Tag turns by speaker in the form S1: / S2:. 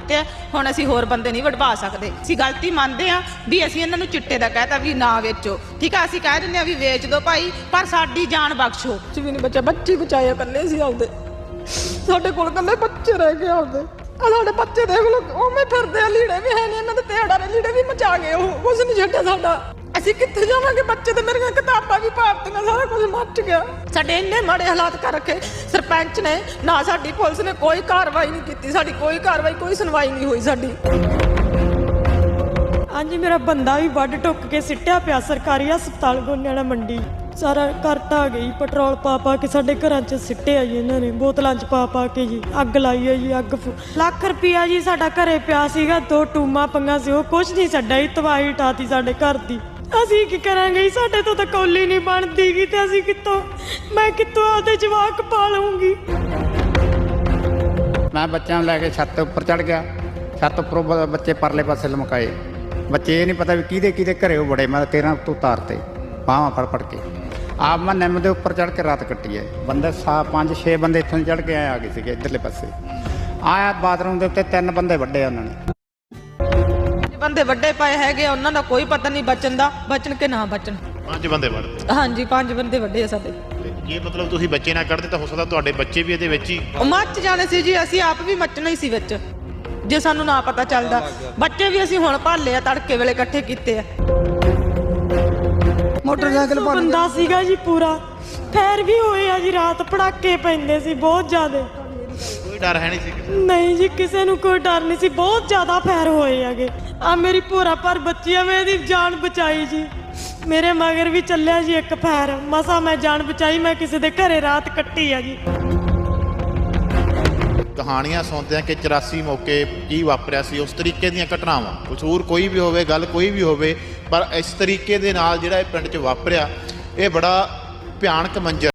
S1: ਦਿੱਤੇ ਆ, ਹੁਣ ਅਸੀਂ ਹੋਰ ਬੰਦੇ ਨਹੀਂ ਵਡਵਾ ਸਕਦੇ। ਅਸੀਂ ਗਲਤੀ ਮੰਨਦੇ ਆ ਵੀ ਅਸੀਂ ਇਹਨਾਂ ਨੂੰ ਚਿੱਟੇ ਦਾ ਕਹਿਤਾ ਵੀ ਨਾ ਵੇਚੋ, ਠੀਕ ਆ, ਅਸੀਂ ਕਹਿ ਦਿੰਦੇ ਆ ਵੀ ਵੇਚ ਦਿਓ ਭਾਈ, ਪਰ ਸਾਡੀ ਜਾਨ ਬਖਸ਼ੋ।
S2: ਕੁਛ ਵੀ ਨਹੀਂ ਬਚਿਆ, ਬੱਚੇ ਬਚਾਏ ਇਕੱਲੇ ਸੀ ਆਪਦੇ, ਸਾਡੇ ਕੋਲ ਇਕੱਲੇ ਬੱਚੇ ਰਹਿ ਗਏ ਆਪਦੇ। ਆ ਸਾਡੇ ਬੱਚੇ ਦੇਖ ਲਓ ਉਵੇਂ ਫਿਰਦੇ ਆ, ਲੀੜੇ ਵੀ ਹੈ ਨਹੀਂ ਇਹਨਾਂ ਦੇ, ਤੇੜਾ ਦੇ ਲੀੜੇ ਵੀ ਮਚਾ ਗਏ, ਉਹ ਕੁਝ ਨਹੀਂ ਛੱਡਿਆ ਸਾਡਾ। ਅਸੀਂ ਕਿੱਥੇ ਜਾਵਾਂਗੇ? ਬੱਚੇ ਤੇ ਮੇਰੀਆਂ ਕਿਤਾਬਾਂ ਵੀ ਪਾਪਤੀਆਂ, ਸਾਰਾ ਕੁਝ ਮੱਚ ਗਿਆ। ਸਾਡੇ ਇੰਨੇ ਮਾੜੇ ਹਾਲਾਤ ਕਰ ਰੱਖੇ ਸਰਪੰਚ ਨੇ, ਨਾ ਸਾਡੀ ਪੁਲਿਸ ਨੇ ਕੋਈ ਕਾਰਵਾਈ ਨਹੀਂ ਕੀਤੀ, ਸਾਡੀ ਕੋਈ ਕਾਰਵਾਈ, ਕੋਈ ਸੁਣਵਾਈ ਨਹੀਂ ਹੋਈ ਸਾਡੀ।
S3: ਹਾਂਜੀ, ਮੇਰਾ ਬੰਦਾ ਵੀ ਵੱਢ ਟੁੱਕ ਕੇ ਸਿੱਟਿਆ ਪਿਆ ਸਰਕਾਰੀ ਹਸਪਤਾਲ ਗੋਨਿਆਣਾ ਮੰਡੀ। ਸਾਰਾ ਘਰ ਢਾਹ ਗਈ, ਪੈਟਰੋਲ ਪਾ ਕੇ ਸਾਡੇ ਘਰਾਂ 'ਚ ਸਿੱਟਿਆ ਜੀ ਇਹਨਾਂ ਨੇ, ਬੋਤਲਾਂ 'ਚ ਪਾ ਕੇ ਜੀ ਅੱਗ ਲਾਈ ਹੈ ਜੀ। ਲੱਖ ਰੁਪਈਆ ਜੀ ਸਾਡਾ ਘਰੇ ਪਿਆ ਸੀਗਾ, 2 ਟੂਮਾਂ ਪੰਗਾ ਸੀ, ਉਹ ਕੁਛ ਨਹੀਂ ਛੱਡਿਆ ਜੀ, ਤਬਾਹੀ ਉਠਾਤੀ ਸਾਡੇ ਘਰ ਦੀ। ਅਸੀਂ ਕੀ ਕਰਾਂਗੇ? ਸਾਡੇ ਤੋਂ ਤਾਂ ਕੌਲੀ ਨਹੀਂ ਬਣਦੀ ਗੀ, ਤੇ ਅਸੀਂ ਮੈਂ ਕਿੱਥੋਂ ਆਪਦੇ ਜਵਾਕ ਪਾਲੂੰਗੀ?
S4: ਮੈਂ ਬੱਚਿਆਂ ਨੂੰ ਲੈ ਕੇ ਛੱਤ ਉੱਪਰ ਚੜ ਗਿਆ, ਛੱਤ ਉੱਪਰੋਂ ਬੱਚੇ ਪਰਲੇ ਪਾਸੇ ਲਮਕਾਏ। ਬੱਚੇ ਇਹ ਨਹੀਂ ਪਤਾ ਵੀ ਕਿਹਦੇ ਘਰੇ ਉਹ ਬੜੇ, ਮੈਂ 13 ਤੋਂ ਉਤਾਰਤੇ ਬਾਹਾਂ ਫੜ ਕੇ। ਆਪ ਮੈਂ ਨਿੰਮ ਦੇ ਉੱਪਰ ਚੜ ਕੇ ਰਾਤ ਕੱਟੀ ਹੈ। ਬੰਦੇ 5-6 ਬੰਦੇ ਇੱਥੋਂ ਚੜ ਕੇ ਆ ਗਏ ਸੀਗੇ ਇੱਧਰਲੇ ਪਾਸੇ। ਆਇਆ ਬਾਥਰੂਮ ਦੇ ਉੱਤੇ 3 ਬੰਦੇ ਵੱਡੇ ਉਹਨਾਂ ਨੇ,
S1: ਬੰਦੇ ਵੱਡੇ ਪਏ ਹੈਗੇ, ਉਹਨਾਂ ਦਾ ਕੋਈ ਪਤਾ ਨਹੀਂ ਬਚਣ ਦਾ, ਬਚਣ ਕੇ ਨਾ ਬਚਣ।
S5: 5 ਬੰਦੇ ਵੱਢਦੇ?
S1: ਹਾਂਜੀ, 5 ਬੰਦੇ ਵੱਡੇ ਆ ਸਾਡੇ।
S5: ਇਹ ਮਤਲਬ ਤੁਸੀਂ ਬੱਚੇ ਨਾ ਕੱਢਦੇ ਤਾਂ ਹੋ ਸਕਦਾ ਤੁਹਾਡੇ ਬੱਚੇ ਵੀ ਇਹਦੇ ਵਿੱਚ ਹੀ
S1: ਉਹ ਮੱਚ ਜਾਣੇ ਸੀ ਜੀ, ਅਸੀਂ ਆਪ ਵੀ ਮੱਚਣਾ ਹੀ ਸੀ ਵਿੱਚ, ਜੇ ਸਾਨੂੰ ਨਾ ਪਤਾ ਚੱਲਦਾ। ਬੱਚੇ ਵੀ ਅਸੀਂ ਹੁਣ ਭਾਲੇ ਆ, ਤੜਕੇ ਵੇਲੇ ਇਕੱਠੇ ਕੀਤੇ ਆ।
S2: ਮੋਟਰਸਾਈਕਲ
S3: ਬੰਦਾ ਸੀਗਾ ਜੀ ਪੂਰਾ, ਫੈਰ ਵੀ ਹੋਏ ਆ ਜੀ, ਰਾਤ ਪੜਾਕੇ ਪੈਂਦੇ ਸੀ ਬਹੁਤ ਜ਼ਿਆਦਾ।
S5: ਕੋਈ ਡਰ ਹੈ ਨਹੀਂ ਸੀ ਕਿਸੇ ਨੂੰ?
S3: ਨਹੀਂ ਜੀ, ਕਿਸੇ ਨੂੰ ਕੋਈ ਡਰ ਨਹੀਂ ਸੀ, ਬਹੁਤ ਜ਼ਿਆਦਾ ਫੈਰ ਹੋਏ ਹੈਗੇ। ਆ ਮੇਰੀ ਭੋਰਾ ਪਰ ਬੱਚੀ ਆ, ਮੈਂ ਇਹਦੀ ਜਾਨ ਬਚਾਈ ਜੀ। ਮੇਰੇ ਮਗਰ ਵੀ ਚੱਲਿਆ ਜੀ ਇੱਕ ਫੈਰ, ਮਸਾ ਮੈਂ ਜਾਨ ਬਚਾਈ, ਮੈਂ ਕਿਸੇ ਦੇ ਘਰੇ ਰਾਤ ਕੱਟੀ ਆ ਜੀ।
S5: ਕਹਾਣੀਆਂ ਸੁਣਦੇ ਆ ਕਿ 84 ਮੌਕੇ ਕੀ ਵਾਪਰਿਆ ਸੀ, ਉਸ ਤਰੀਕੇ ਦੀਆਂ ਘਟਨਾਵਾਂ, ਕਸੂਰ ਕੋਈ ਵੀ ਹੋਵੇ, ਗੱਲ ਕੋਈ ਵੀ ਹੋਵੇ, ਪਰ ਇਸ ਤਰੀਕੇ ਦੇ ਨਾਲ ਜਿਹੜਾ ਇਹ ਪਿੰਡ 'ਚ ਵਾਪਰਿਆ, ਇਹ ਬੜਾ ਭਿਆਨਕ ਮੰਜ਼ਰ